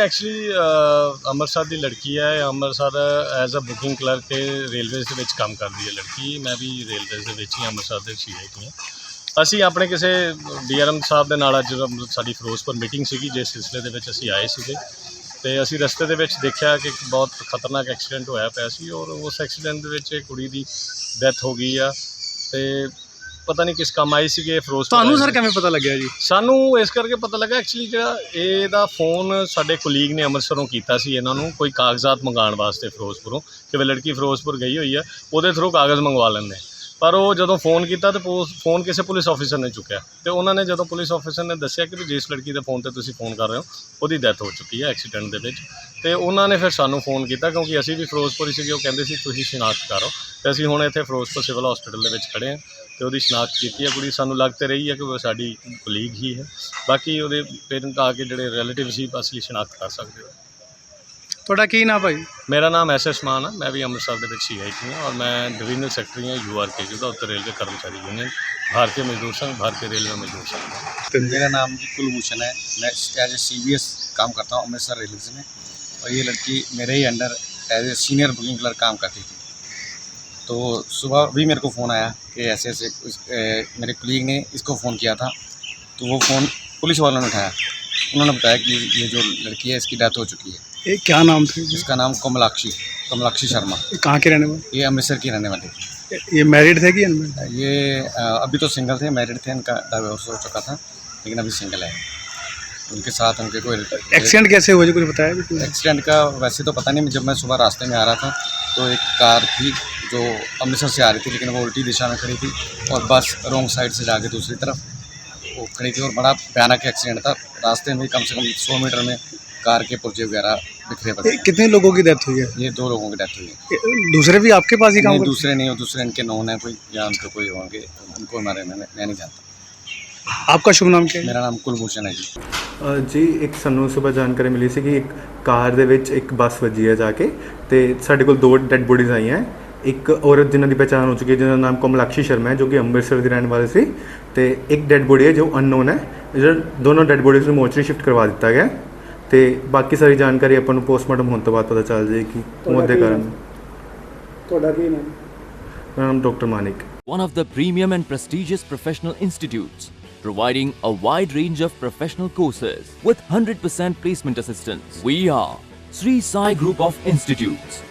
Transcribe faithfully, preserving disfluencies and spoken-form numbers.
Actually Amritsar ਦੀ ਲੜਕੀ ਹੈ। Amritsar as a booking clerk ਤੇ ਰੇਲਵੇਜ਼ ਦੇ ਵਿੱਚ ਕੰਮ ਕਰਦੀ ਹੈ ਲੜਕੀ। ਮੈਂ ਵੀ ਰੇਲਵੇਜ਼ ਦੇ ਵਿੱਚ ਹੀ ਅੰਮ੍ਰਿਤਸਰ ਦੇ ਸੀ ਆਈ ਟੀ ਹਾਂ। ਅਸੀਂ ਆਪਣੇ ਕਿਸੇ ਡੀ ਆਰ ਐਮ ਸਾਹਿਬ ਦੇ ਨਾਲ ਅੱਜ ਸਾਡੀ ਫਿਰੋਜ਼ਪੁਰ ਮੀਟਿੰਗ ਸੀਗੀ, ਜਿਸ ਸਿਲਸਿਲੇ ਦੇ ਵਿੱਚ ਅਸੀਂ ਆਏ ਸੀਗੇ ਅਤੇ ਅਸੀਂ ਰਸਤੇ ਦੇ ਵਿੱਚ ਦੇਖਿਆ ਕਿ ਇੱਕ ਬਹੁਤ ਖਤਰਨਾਕ ਐਕਸੀਡੈਂਟ ਹੋਇਆ ਪਿਆ ਸੀ ਔਰ ਉਸ ਐਕਸੀਡੈਂਟ ਦੇ ਵਿੱਚ ਕੁੜੀ ਦੀ ਡੈਥ ਹੋ ਗਈ ਆ। ਅਤੇ ਪਤਾ ਨਹੀਂ ਕਿਸ ਕੰਮ ਆਈ ਸੀਗੇ ਫਿਰੋਜ਼ਪੁਰ। ਤੁਹਾਨੂੰ ਸਰ ਕਿਵੇਂ ਪਤਾ ਲੱਗਿਆ ਜੀ? ਸਾਨੂੰ ਇਸ ਕਰਕੇ ਪਤਾ ਲੱਗਾ ਐਕਚੁਅਲੀ ਜਿਹੜਾ ਇਹਦਾ ਫੋਨ ਸਾਡੇ ਕੁਲੀਗ ਨੇ ਅੰਮ੍ਰਿਤਸਰੋਂ ਕੀਤਾ ਸੀ ਇਹਨਾਂ ਨੂੰ ਕੋਈ ਕਾਗਜ਼ਾਤ ਮੰਗਾਉਣ ਵਾਸਤੇ ਫਿਰੋਜ਼ਪੁਰੋਂ, ਕਿ ਵੀ ਲੜਕੀ ਫਿਰੋਜ਼ਪੁਰ ਗਈ ਹੋਈ ਆ, ਉਹਦੇ ਥਰੂ ਕਾਗਜ਼ ਮੰਗਵਾ ਲੈਂਦੇ। ਪਰ ਉਹ ਜਦੋਂ ਫ਼ੋਨ ਕੀਤਾ ਤਾਂ ਫੋਨ ਕਿਸੇ ਪੁਲਿਸ ਆਫਿਸਰ ਨੇ ਚੁੱਕਿਆ ਅਤੇ ਉਹਨਾਂ ਨੇ ਜਦੋਂ ਪੁਲਿਸ ਆਫਿਸਰ ਨੇ ਦੱਸਿਆ ਕਿ ਵੀ ਜਿਸ ਲੜਕੀ ਦੇ ਫ਼ੋਨ 'ਤੇ ਤੁਸੀਂ ਫ਼ੋਨ ਕਰ ਰਹੇ ਹੋ ਉਹਦੀ ਡੈਥ ਹੋ ਚੁੱਕੀ ਹੈ ਐਕਸੀਡੈਂਟ ਦੇ ਵਿੱਚ। ਅਤੇ ਉਹਨਾਂ ਨੇ ਫਿਰ ਸਾਨੂੰ ਫ਼ੋਨ ਕੀਤਾ ਕਿਉਂਕਿ ਅਸੀਂ ਵੀ ਫਿਰੋਜ਼ਪੁਰ ਹੀ ਸੀਗੇ। ਉਹ ਕਹਿੰਦੇ ਸੀ ਤੁਸੀਂ ਸ਼ਨਾਖਤ ਕਰੋ ਅਤੇ ਅਸੀਂ ਹੁਣ ਇੱਥੇ ਫਿਰੋਜ਼ਪੁਰ ਸਿਵਲ ਹੌਸਪੀਟਲ ਦੇ ਵਿੱਚ ਖੜ੍ਹੇ ਹਾਂ ਅਤੇ ਉਹਦੀ ਸ਼ਨਾਖਤ ਕੀਤੀ ਹੈ। ਕੁੜੀ ਸਾਨੂੰ ਲੱਗ ਤਾਂ ਰਹੀ ਹੈ ਕਿ ਉਹ ਸਾਡੀ ਕੁਲੀਗ ਹੀ ਹੈ। ਬਾਕੀ ਉਹਦੇ ਪੇਰੈਂਟ ਆ ਕੇ ਜਿਹੜੇ ਰਿਲੇਟਿਵ ਸੀ ਅਸਲੀ ਸ਼ਨਾਖਤ ਕਰ ਸਕਦੇ ਹੋ। ਤੁਹਾਡਾ ਕੀ ਨਾਮ ਭਾਈ? ਮੇਰਾ ਨਾਮ ਐਸ ਐਸ ਮਾਨ ਹੈ। ਮੈਂ ਵੀ ਅੰਮ੍ਰਿਤਸਰ ਦੇ ਵਿੱਚ ਸੀ ਆਈ ਟੀ ਹਾਂ ਔਰ ਮੈਂ ਡਿਵੀਜ਼ਨਲ ਸੈਕਟਰੀ ਹਾਂ ਯੂ ਆਰ ਕੇ ਜੀ ਦਾ, उत्तर रेलवे कर्मचारी यूनियन, भारतीय मजदूर संघ, भारतीय रेलवे मजदूर संघ। मेरा नाम जी कुलभूषण है। मैं as a C B S काम करता हूँ अमृतसर रेलवे में और ये लड़की मेरे ही under as a senior booking clerk काम करती थी। तो सुबह भी मेरे को फ़ोन आया कि ऐसे ऐसे उस, ए, मेरे कुलीग ने इसको फ़ोन किया था। तो वो फ़ोन पुलिस वालों ने उठाया। उन्होंने बताया कि ये जो लड़की है इसकी डेथ हो चुकी है। ये क्या नाम था? इसका नाम कमलाक्षी कमलाक्षी शर्मा। ये कहाँ के रहने वाले? ये अमृतसर की रहने वाली थी। ये मैरिड थे कि अनमैरिड? ये आ, अभी तो सिंगल थे, मैरिड थे, इनका डाइवोर्स हो चुका था लेकिन अभी सिंगल है। उनके साथ उनके कोई एक्सीडेंट कैसे हुआ जी कुछ बताया भी? एक्सीडेंट का वैसे तो पता नहीं। जब मैं सुबह रास्ते में आ रहा था तो एक कार थी जो अमृतसर से आ रही थी लेकिन वो उल्टी दिशा में खड़ी थी और बस रोंग साइड से जाके दूसरी तरफ वो खड़ी थी और बड़ा भयानक एक्सीडेंट था। रास्ते में कम से कम सौ मीटर में कार के पुर्जे वगैरह बिखरे पड़े। कितने लोगों की डेथ हुई है? ये दो लोगों की डेथ हुई है। दूसरे भी आपके पास ही काम नहीं, करते? दूसरे नहीं, वो दूसरे इनके नॉन है कोई या उनके कोई होंगे, उनको हमारे मैं मैं नहीं जानता। आपका शुभ नाम क्या है? मेरा नाम कुलभूषण है जी। ਅ, ਜੀ ਇੱਕ ਸਾਨੂੰ ਸਵੇਰ ਜਾਣਕਾਰੀ ਮਿਲੀ ਸੀ ਕਿ ਇੱਕ ਕਾਰ ਦੇ ਵਿੱਚ ਇੱਕ ਬੱਸ ਵੱਜੀ ਹੈ ਜਾ ਕੇ ਅਤੇ ਸਾਡੇ ਕੋਲ ਦੋ ਡੈੱਡ ਬੋਡੀਜ਼ ਆਈਆਂ। ਇੱਕ ਔਰਤ ਜਿਨ੍ਹਾਂ ਦੀ ਪਹਿਚਾਣ ਹੋ ਚੁੱਕੀ ਹੈ ਜਿਹਦਾ ਨਾਮ ਕਮਲਾਕਸ਼ੀ ਸ਼ਰਮਾ ਹੈ ਜੋ ਕਿ ਅੰਮ੍ਰਿਤਸਰ ਦੀ ਰਹਿਣ ਵਾਲੀ ਸੀ ਅਤੇ ਇੱਕ ਡੈੱਡ ਬੋਡੀ ਹੈ ਜੋ ਅਨਨੋਨ ਹੈ। ਜਿਹੜਾ ਦੋਨੋਂ ਡੈੱਡ ਬੋਡੀਜ਼ ਨੂੰ ਮੋਰਚਰੀ ਸ਼ਿਫਟ ਕਰਵਾ ਦਿੱਤਾ ਗਿਆ ਅਤੇ ਬਾਕੀ ਸਾਰੀ ਜਾਣਕਾਰੀ ਆਪਾਂ ਨੂੰ ਪੋਸਟਮਾਰਟਮ ਹੋਣ ਤੋਂ ਬਾਅਦ ਪਤਾ ਚੱਲ ਜਾਏਗੀ ਮੌਤ ਦੇ ਕਾਰਨ। ਤੁਹਾਡਾ ਕੀ ਨਾਮ? ਮੇਰਾ ਨਾਮ doctor Manik. One of the premium and prestigious professional institutes, providing a wide range of professional courses with one hundred percent placement assistance. We are Sri Sai Group of Institutes.